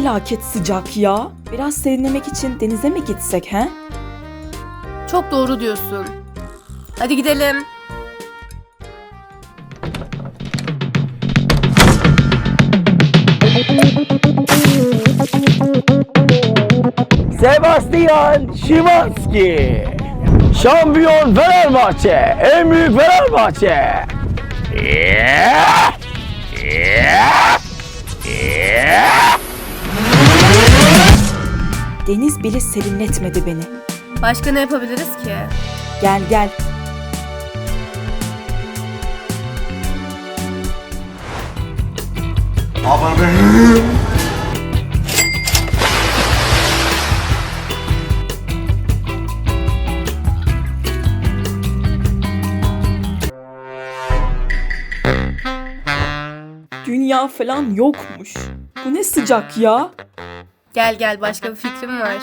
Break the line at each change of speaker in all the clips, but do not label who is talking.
felaket sıcak ya. Biraz serinlemek için denize mi gitsek he?
Çok doğru diyorsun. Hadi gidelim.
Sebastian Szymanski. Şampiyon Fenerbahçe. En büyük Fenerbahçe.
Deniz bile serinletmedi beni.
Başka ne yapabiliriz ki?
Gel gel. Dünya falan yokmuş. Bu ne sıcak ya?
Gel gel, başka bir fikrim var.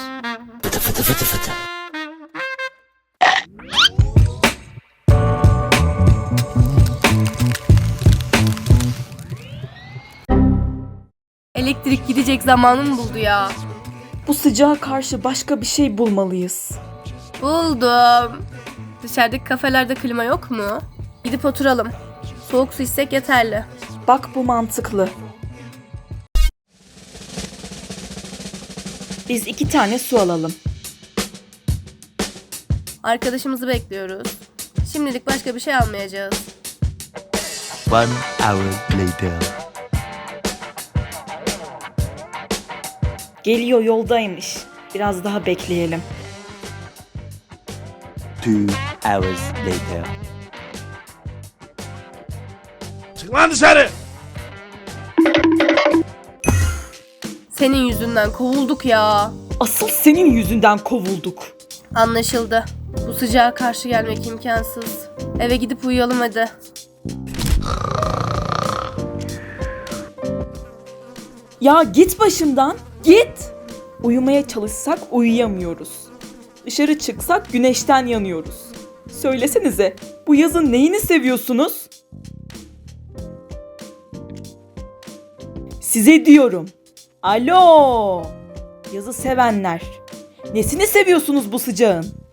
Elektrik gidecek zamanım buldu ya.
Bu sıcağa karşı başka bir şey bulmalıyız.
Buldum. Dışarıdaki kafelerde klima yok mu? Gidip oturalım. Soğuk su içsek yeterli.
Bak bu mantıklı. Biz 2 tane su alalım.
Arkadaşımızı bekliyoruz. Şimdilik başka bir şey almayacağız.
1 hour later.
Geliyor, yoldaymış. Biraz daha bekleyelim.
2 hours later.
Çık lan dışarı.
Senin yüzünden kovulduk ya.
Asıl senin yüzünden kovulduk.
Anlaşıldı. Bu sıcağa karşı gelmek imkansız. Eve gidip uyuyalım hadi.
Ya git başımdan, git. Uyumaya çalışsak uyuyamıyoruz. Dışarı çıksak güneşten yanıyoruz. Söylesenize, bu yazın neyini seviyorsunuz? Size diyorum. Alo! Yazı sevenler. Nesini seviyorsunuz bu sıcağın?